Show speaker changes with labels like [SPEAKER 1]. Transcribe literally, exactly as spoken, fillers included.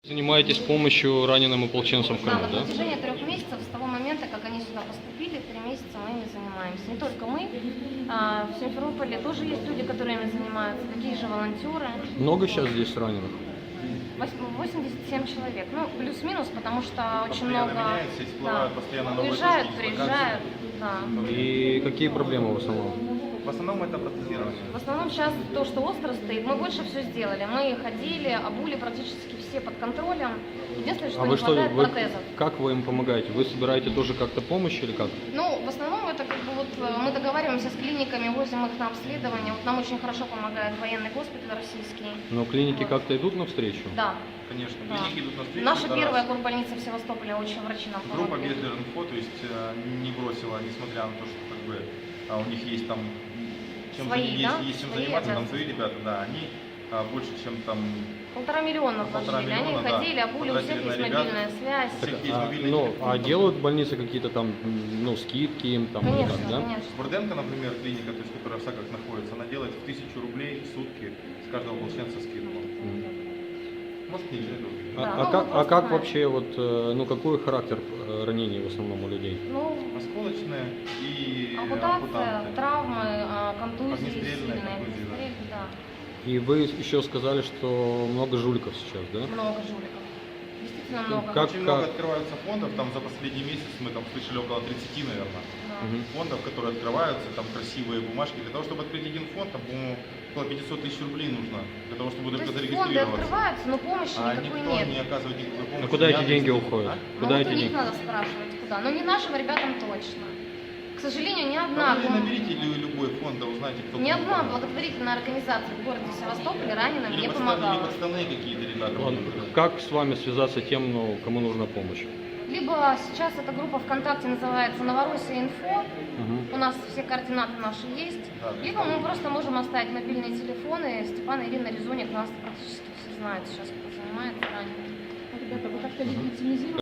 [SPEAKER 1] Занимаетесь помощью раненым ополченцам в Крыму,
[SPEAKER 2] да?
[SPEAKER 1] Да,
[SPEAKER 2] на протяжении трех месяцев, с того момента, как они сюда поступили, три месяца мы ими занимаемся. Не только мы, а в Симферополе тоже есть люди, которые ими занимаются, такие же волонтеры.
[SPEAKER 1] Много сейчас здесь раненых?
[SPEAKER 2] восемьдесят семь человек, ну плюс-минус, потому что очень
[SPEAKER 3] Постоянно
[SPEAKER 2] много
[SPEAKER 3] меняется, и всплывают
[SPEAKER 2] да,
[SPEAKER 3] постоянно новые
[SPEAKER 2] уезжают,
[SPEAKER 3] точки,
[SPEAKER 2] приезжают, да.
[SPEAKER 1] И какие проблемы в основном?
[SPEAKER 3] В основном это протезирование.
[SPEAKER 2] В основном сейчас то, что остро стоит, мы больше все сделали. Мы ходили, обули практически все под контролем. Единственное, что
[SPEAKER 1] А
[SPEAKER 2] не
[SPEAKER 1] вы что,
[SPEAKER 2] хватает
[SPEAKER 1] вы,
[SPEAKER 2] протезов.
[SPEAKER 1] как вы им помогаете? Вы собираете тоже как-то помощь или как?
[SPEAKER 2] Ну, в основном это как бы вот э, мы договариваемся с клиниками, возим их на обследование. Вот нам очень хорошо помогает военный госпиталь российский.
[SPEAKER 1] Но клиники
[SPEAKER 2] Вот.
[SPEAKER 1] как-то идут навстречу?
[SPEAKER 2] Да.
[SPEAKER 3] Конечно,
[SPEAKER 2] Да.
[SPEAKER 3] клиники идут навстречу.
[SPEAKER 2] Наша
[SPEAKER 3] это
[SPEAKER 2] первая
[SPEAKER 3] раз.
[SPEAKER 2] горбольница в Севастополе, очень врачи нам
[SPEAKER 3] Группа
[SPEAKER 2] помогли.
[SPEAKER 3] Бездер-Инфо, то есть э, не бросила, несмотря на то, что как бы а, у них есть там чем,
[SPEAKER 2] Свои,
[SPEAKER 3] есть,
[SPEAKER 2] да?
[SPEAKER 3] есть чем
[SPEAKER 2] Свои
[SPEAKER 3] заниматься, там
[SPEAKER 2] обязанности.
[SPEAKER 3] свои ребята, да, они а, больше, чем там
[SPEAKER 2] Полтора миллиона
[SPEAKER 3] Полтора
[SPEAKER 2] вложили.
[SPEAKER 3] миллиона,
[SPEAKER 2] Они
[SPEAKER 3] да.
[SPEAKER 2] ходили, обули, у всех
[SPEAKER 3] Потратили
[SPEAKER 2] есть
[SPEAKER 3] на ребят.
[SPEAKER 2] мобильная связь.
[SPEAKER 3] Всех
[SPEAKER 1] Так,
[SPEAKER 3] есть
[SPEAKER 1] а,
[SPEAKER 3] мобильный
[SPEAKER 1] ну,
[SPEAKER 3] телефон,
[SPEAKER 1] а
[SPEAKER 3] там.
[SPEAKER 1] делают больницы какие-то там, ну, скидки им там? или
[SPEAKER 2] Конечно,
[SPEAKER 1] как, да?
[SPEAKER 2] конечно.
[SPEAKER 3] Бурденко, например, клиника, то есть, которая в Саках находится, она делает в тысячу рублей в сутки с каждого ополченца скидку. Может, не ниже.
[SPEAKER 1] А,
[SPEAKER 2] Да,
[SPEAKER 1] а
[SPEAKER 2] ну,
[SPEAKER 1] как,
[SPEAKER 2] мы
[SPEAKER 1] а
[SPEAKER 2] просто
[SPEAKER 1] как
[SPEAKER 2] знаем.
[SPEAKER 1] вообще, вот, э, ну, какой характер э, ранений в основном у людей?
[SPEAKER 2] Ну,
[SPEAKER 3] Осколочные и
[SPEAKER 2] ампутация,
[SPEAKER 3] ампутанты.
[SPEAKER 2] травмы, а, контузии
[SPEAKER 3] Огнестрельные
[SPEAKER 2] сильные,
[SPEAKER 3] контузии, да.
[SPEAKER 2] огнестрельные, да.
[SPEAKER 1] И вы еще сказали, что много жуликов сейчас, да?
[SPEAKER 2] Много жуликов. Действительно много.
[SPEAKER 1] Как-
[SPEAKER 3] Очень много открываются фондов, там за последний месяц мы там слышали около тридцати, наверное,
[SPEAKER 2] Да.
[SPEAKER 1] Мгм.
[SPEAKER 3] фондов, которые открываются, там красивые бумажки. Для того, чтобы открыть один фонд, там, по-моему, около пятисот тысяч рублей нужно, для того, чтобы
[SPEAKER 2] То
[SPEAKER 3] только
[SPEAKER 2] есть фонды
[SPEAKER 3] зарегистрироваться.
[SPEAKER 2] открываются, но помощи
[SPEAKER 3] А
[SPEAKER 2] никакой
[SPEAKER 3] никто
[SPEAKER 2] нет.
[SPEAKER 3] не оказывает никакой помощи.
[SPEAKER 1] А куда эти
[SPEAKER 3] Яндекс
[SPEAKER 1] деньги
[SPEAKER 3] не-
[SPEAKER 1] уходят?
[SPEAKER 3] А?
[SPEAKER 2] Ну
[SPEAKER 1] Куда
[SPEAKER 2] вот
[SPEAKER 1] эти
[SPEAKER 2] у них
[SPEAKER 1] деньги?
[SPEAKER 2] надо спрашивать, куда. Но не нашим ребятам точно. К сожалению, ни
[SPEAKER 3] Да
[SPEAKER 2] одна,
[SPEAKER 3] вы наберите лю- любой фонд, да узнайте, кто
[SPEAKER 2] ни
[SPEAKER 3] кому
[SPEAKER 2] одна
[SPEAKER 3] помогает.
[SPEAKER 2] благотворительная организация в городе Севастополе раненым
[SPEAKER 3] Или
[SPEAKER 2] не
[SPEAKER 3] подставные, или
[SPEAKER 2] помогала.
[SPEAKER 3] подставные какие-то ребята.
[SPEAKER 1] Ладно, как с вами связаться тем, ну, кому нужна помощь?
[SPEAKER 2] Либо сейчас эта группа ВКонтакте называется Новороссия Инфо.
[SPEAKER 1] Мгм.
[SPEAKER 2] У нас все координаты наши есть.
[SPEAKER 3] Да,
[SPEAKER 2] Либо мы просто можем оставить мобильные телефоны. Степан и Ирина Резоник нас практически все знают сейчас, кто занимается ранее.
[SPEAKER 4] Ребята, вы как-то легитимизируете